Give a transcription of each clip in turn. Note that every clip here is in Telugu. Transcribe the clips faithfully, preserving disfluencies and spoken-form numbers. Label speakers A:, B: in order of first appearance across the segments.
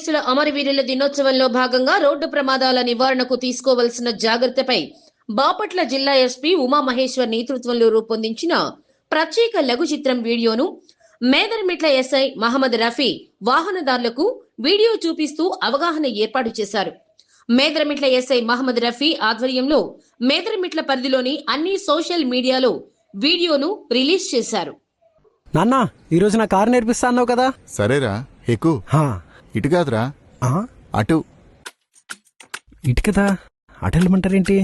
A: పోలీసుల అమరవీరుల దినోత్సవంలో భాగంగా రోడ్డు ప్రమాదాల నివారణకు తీసుకోవాల్సిన జాగ్రత్తపై బాపట్ల జిల్లా ఎస్పీ ఉమామహేశ్వర్ నేతృత్వంలో రూపొందించిన ప్రత్యేక లఘు చిత్రం వీడియోను మేదరమిట్ల ఎస్ఐ మహమ్మద్ రఫీ వాహనదారులకు వీడియో చూపిస్తూ అవగాహన ఏర్పాటు చేశారు. మేదరమిట్ల ఎస్ఐ మహమ్మద్ రఫీ ఆధ్వర్యంలో మేదరమిట్ల పరిధిలోని అన్ని సోషల్ మీడియాలో వీడియోను రిలీజ్ చేశారు.
B: నాన్న, ఈరోజు నా కారు నేర్పిస్తా అన్నావు కదా?
C: సరేరా, ఎక్కు. ఇటు కాదురా, అటు.
B: ఇటు కదా, అటు వెళ్ళమంటారేంటి?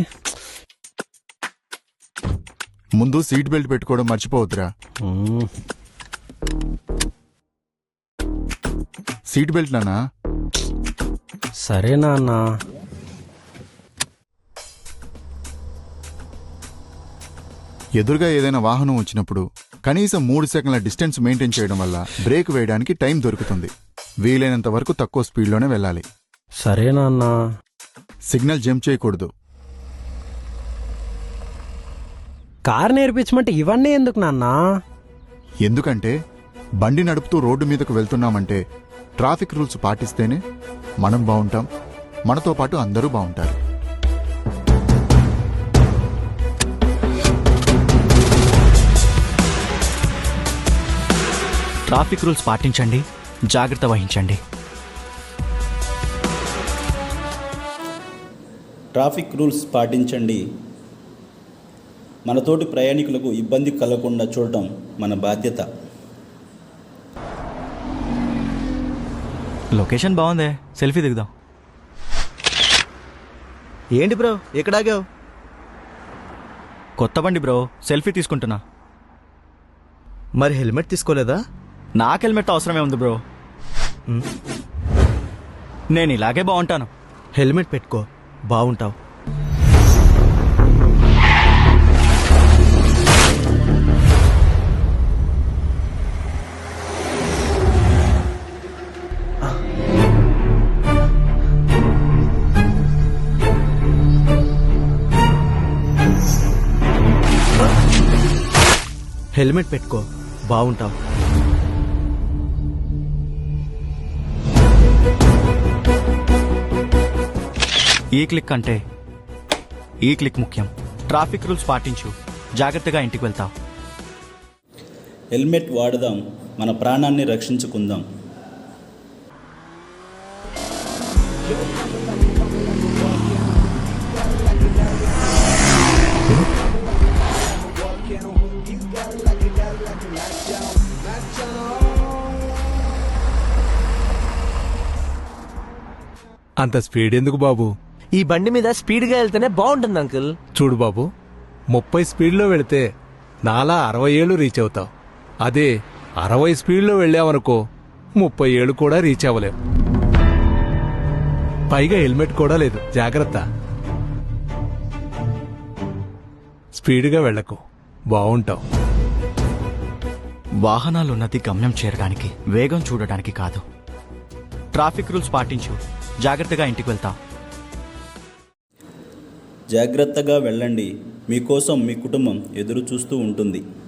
C: ముందు సీట్ బెల్ట్ పెట్టుకోవడం మర్చిపోవద్దురా. సీట్ బెల్ట్ నానా?
B: సరే నాన్న.
C: ఎదురుగా ఏదైనా వాహనం వచ్చినప్పుడు కనీసం మూడు సెకండ్ల డిస్టెన్స్ మెయింటైన్ చేయడం వల్ల బ్రేక్ వేయడానికి టైం దొరుకుతుంది. వీలైనంత వరకు తక్కువ స్పీడ్లోనే వెళ్ళాలి.
B: సరే నాన్న.
C: సిగ్నల్ జంప్ చేయకూడదు.
B: కారు నేర్పించమంటే ఇవన్నీ ఎందుకు నాన్న?
C: ఎందుకంటే బండి నడుపుతూ రోడ్డు మీదకు వెళ్తున్నామంటే ట్రాఫిక్ రూల్స్ పాటిస్తేనే మనం బాగుంటాం, మనతో పాటు అందరూ బాగుంటారు.
D: ట్రాఫిక్ రూల్స్ పాటించండి, జాగ్రత్త వహించండి.
E: ట్రాఫిక్ రూల్స్ పాటించండి. మనతోటి ప్రయాణికులకు ఇబ్బంది కలగకుండా చూడటం మన బాధ్యత.
D: లొకేషన్ బాగుందే, సెల్ఫీ దిగుదాం.
F: ఏంటి బ్రో, ఎక్కడాగావు?
D: కొత్త బండి బ్రో, సెల్ఫీ తీసుకుంటున్నా.
F: మరి హెల్మెట్ తీసుకోలేదా?
D: నాకు హెల్మెట్ అవసరమే ఉంది బ్రో. నేను ఇలాగే బాగుంటాను.
F: హెల్మెట్ పెట్టుకో, బాగుంటావు. హెల్మెట్ పెట్టుకో, బాగుంటావు.
D: ఈ క్లిక్ అంటే ఈ క్లిక్ ముఖ్యం. ట్రాఫిక్ రూల్స్ పాటించు, జాగ్రత్తగా ఇంటికి వెళ్తావు.
E: హెల్మెట్ వాడదాం, మన ప్రాణాన్ని రక్షించుకుందాం.
G: అంత స్పీడ్ ఎందుకు బాబు?
F: ఈ బండి మీద స్పీడ్గా వెళ్తేనే బాగుంటుంది అంకుల్.
G: చూడు బాబు, ముప్పై స్పీడ్లో వెళితే నాలా అరవై ఏళ్ళు రీచ్ అవుతావు. అదే అరవై స్పీడ్లో వెళ్ళావనుకో ముప్పై ఏళ్ళు కూడా రీచ్ అవ్వలేవు. పైగా హెల్మెట్ కూడా లేదు, జాగ్రత్త. స్పీడ్గా వెళ్ళకు, బాగుంటావు.
D: వాహనాలున్నది గమ్యం చేరడానికి, వేగం చూడడానికి కాదు. ట్రాఫిక్ రూల్స్ పాటించు, జాగ్రత్తగా ఇంటికి వెళ్తావు.
E: జాగ్రత్తగా వెళ్ళండి, మీకోసం మీ కుటుంబం ఎదురు చూస్తూ ఉంటుంది.